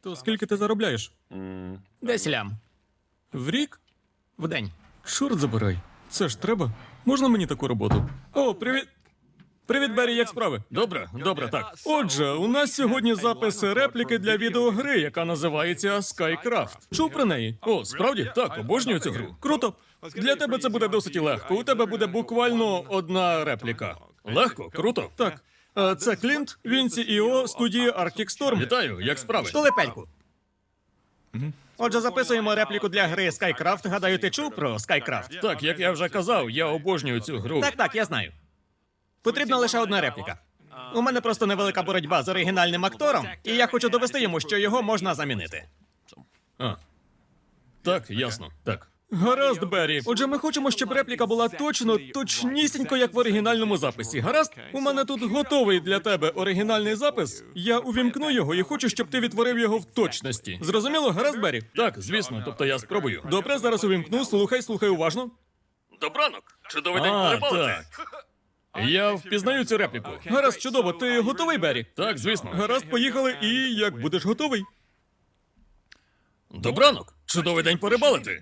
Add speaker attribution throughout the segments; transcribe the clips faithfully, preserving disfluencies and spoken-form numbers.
Speaker 1: То скільки ти заробляєш?
Speaker 2: Десь лям.
Speaker 1: В рік?
Speaker 2: В день.
Speaker 1: Чорт забирай. Це ж треба. Можна мені таку роботу? О, привіт. Привіт, Беррі, як справи? Добре, добре, так. Отже, у нас сьогодні запис репліки для відеогри, яка називається SkyCraft. Чув про неї? О, справді? Так, обожнюю цю гру. Круто. Для тебе це буде досить легко. У тебе буде буквально одна репліка. Легко? Круто? Так. Е, Це Клінт, він сі і о студії Arctic Storm. Вітаю, як справи?
Speaker 2: Штулепельку. Отже, записуємо репліку для гри SkyCraft. Гадаю, ти чув про SkyCraft?
Speaker 1: Так, як я вже казав, я обожнюю цю гру.
Speaker 2: Так, так, я знаю. Потрібна лише одна репліка. У мене просто невелика боротьба з оригінальним актором, і я хочу довести йому, що його можна замінити.
Speaker 1: А. Так, ясно. Так. Гаразд, Беррі. Отже, ми хочемо, щоб репліка була точно, точнісінько, як в оригінальному записі. Гаразд? У мене тут готовий для тебе оригінальний запис. Я увімкну його і хочу, щоб ти відтворив його в точності. Зрозуміло? Гаразд, Беррі? Так, звісно. Тобто я спробую. Добре, зараз увімкну. Слухай, слухай уважно. Добранок. Чудовий день перепалити. Я впізнаю цю репліку. Гаразд, чудово. Ти готовий, Беррі? Так, звісно. Гаразд, поїхали. І як будеш готовий? Добранок. Чудовий день порибалити.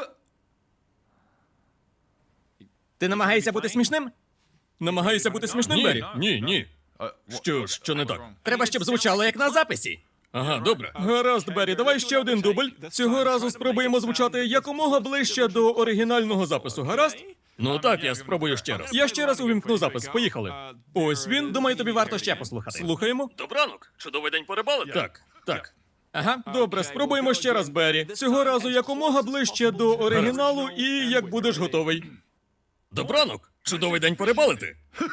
Speaker 2: Ти намагаєшся бути смішним?
Speaker 1: Намагаєшся бути смішним, Беррі? Ні, ні. Що, що не так?
Speaker 2: Треба, щоб звучало як на записі.
Speaker 1: Ага, добре. Гаразд, Беррі, давай ще один дубль. Цього разу спробуємо звучати якомога ближче до оригінального запису. Гаразд? Ну так, я спробую ще раз. Я ще раз увімкну запис. Поїхали. Ось він.
Speaker 2: Думаю, тобі варто ще послухати.
Speaker 1: Слухаємо. Добранок. Чудовий день порибалити. Так, так.
Speaker 2: Ага.
Speaker 1: Добре, спробуємо ще раз, Беррі. Цього разу якомога ближче до оригіналу і як будеш готовий. Добранок. Чудовий день порибалити.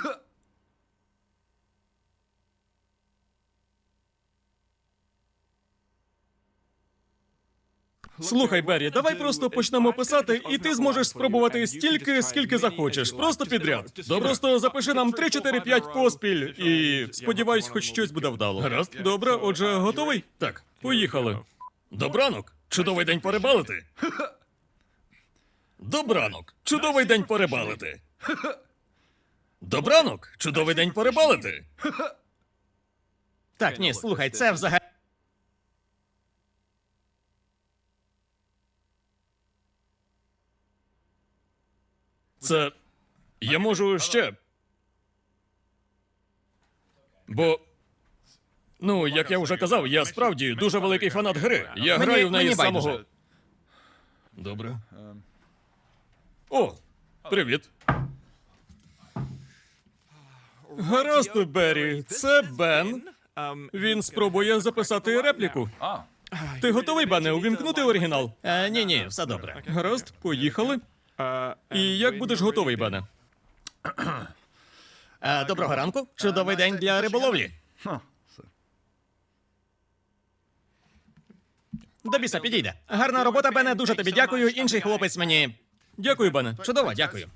Speaker 1: Слухай, Беррі, давай просто почнемо писати, і ти зможеш спробувати стільки, скільки захочеш. Просто підряд. Добре. Просто запиши нам три, чотири, п'ять поспіль, і сподіваюсь, хоч щось буде вдало. Гаразд? Добре, отже, готовий? Так, поїхали. Добранок. Чудовий день порибалити. Добранок. Чудовий день порибалити. Добранок. Чудовий день порибалити.
Speaker 2: Так, ні, слухай, це взагалі.
Speaker 1: Це. Я можу ще. Бо. Ну, як я вже казав, я справді дуже великий фанат гри. Я
Speaker 2: Мені-
Speaker 1: граю в неї
Speaker 2: мені
Speaker 1: з самого.
Speaker 2: байдуже.
Speaker 1: Добре. О, привіт. Гаразд, Беррі, це Бен. Він спробує записати репліку. Ти готовий, Бене, увімкнути оригінал?
Speaker 2: Е, ні, ні, все добре.
Speaker 1: Гаразд, поїхали. І як будеш готовий, Бене?
Speaker 2: Е, доброго ранку. Чудовий день для риболовлі. До біса підійде. Гарна робота, Бене, дуже тобі дякую. Інший хлопець мені.
Speaker 1: Дякую, Бене.
Speaker 2: Чудово, дякую.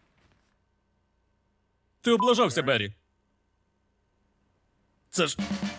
Speaker 1: Ти облажався, Беррі. Це ж.